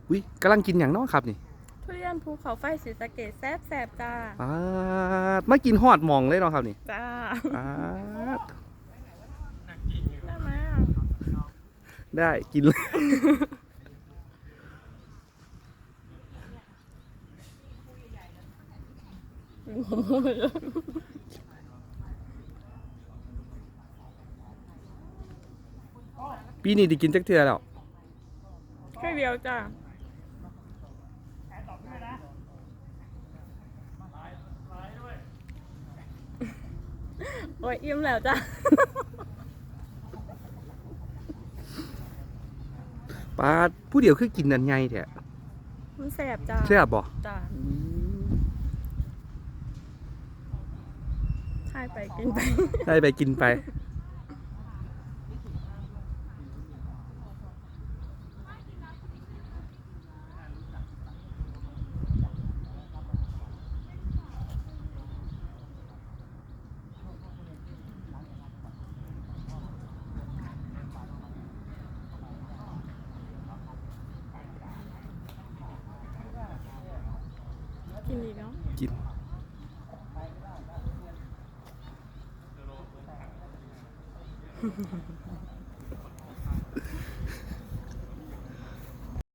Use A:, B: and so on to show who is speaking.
A: อุ้ยกำลังกินอย่างน้อครับนี่
B: ทุเรียนภูเขาไฟศรีสะเกษแซ่บจ้า
A: มากินฮอดหมองเลยเนาะครับนี่
B: จ้า
A: ป๊าด
B: ได้ไหม
A: ได้กินเลยปีนี้ได้กินจักเทื่อแล้ว
B: แค่เดียวจ้าโอ้ยอิ่มแล้วจ้า
A: ปาดผู้เดียวคือกินนันไงแท้
B: มันแซ่บจ้า
A: แซ่บบ่
B: จ้าใช่ไปกินไป
A: ได้ไปกินไป
B: กินอีกเนาะ
A: กิน